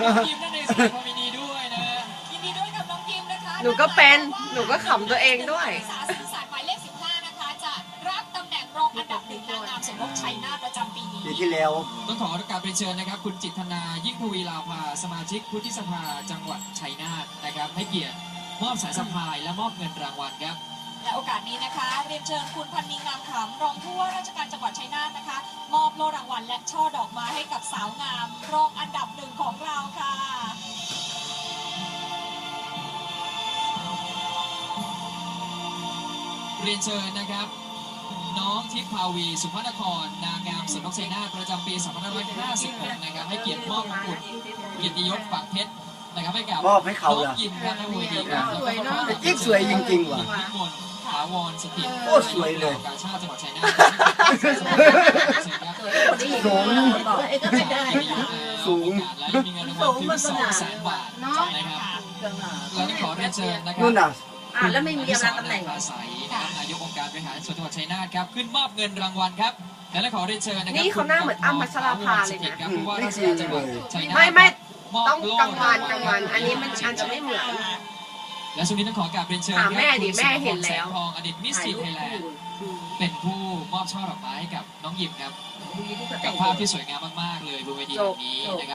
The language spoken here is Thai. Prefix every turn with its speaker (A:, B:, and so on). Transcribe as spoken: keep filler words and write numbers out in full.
A: องยิมนั่นเองแสดงความยินดีด้วยนะ
B: ยินดีด้วยกับน้องยิมนะคะ
C: หนูก็เป็นหนูก็ขำตัวเองด้วย
B: นักศึกษาสื่อสารหมายเลขสิบห้านะคะจะรับตำแหน่งรองอันดับหนึ่งนางงามสมรสชัยนาทประจำปีนี้
D: ปีที่แล้ว
A: ต้องขอการเรียนเชิญนะครับคุณจิตธนายิ่งทวีลาภาสมาชิกวุฒิสภาจังหวัดชัยนาทนะครับให้เกียรติมอบสายสะพายและมอบเงินรางวัลครับ
B: และโอกาสนี้นะคะเรียนเชิญคุณพันนีงามขำรองผู้ว่าราชการจังหวัดชัยนาทนะคะมอบโล่รางวัลและช่อดอกไม้ให้กับสาวงามรองอันดับหนึ่งของเราค่ะ
A: เรียนเชิญนะครับน้องทิพย์ภาวีสุภนครนางงามสมรสชัยนาทประจำปีสองพันห้าร้อยห้าสิบหกนะครับให้เกียรติมอบมงกุฎเกียรติยศฝังเพชรนะครับให้กับ
D: มอบให้เขา
A: น้
D: เหร
A: อ
D: อ
A: งยิมครับในเวทีครับ
C: สวยเนอะ
D: แต่จิ๊กสวยจริงๆว่ะ
A: ยิมพิมลถาวรสถิต
D: โอ้สวยเลย
A: การชาติจังหวัดชัยนาท
D: สูง
C: ก็ไม่ได้
D: สูง
A: และมีเงินรางวัลถึงสองแสนบาทนะครับแล้วขอเรียนเชิญนะครั
D: นู่นน่ะ
C: อ่ะแล้วไม่มีอำนาจตำแหน่ง
A: อาศัยนะครับนายกองค์การบริหารส่วนจังหวัดชัยนาทครับขึ้นมอบเงินรางวัลครับและขอเรียนเชิญนะครับ
C: นี่เขาหน้าเหมือนอ้ำพัชราภาเลยนะ
A: ครับผู้ว่าราชการจังหวัดชัยนาท
C: ไม่ไม่
A: มบ
C: ต้อง
A: โล่
C: กลางวันกลางวันอันนี้มันอาจจะไม่เหมือน
A: และช่วงนี้ต้องขอกราบเรียนเชิญ
C: ถามแม่ดิ
A: คุณ
C: แม่เห็นแล้ว
A: สมพรแสงทองอดีตมิสทีนไทยแลนด์เป็นผู้มอบช่อดอกไม้ให้กับน้องหยิมครับกับภาพที่สวยงามมากๆเลยบนเวทีแห่งนี้นะครับ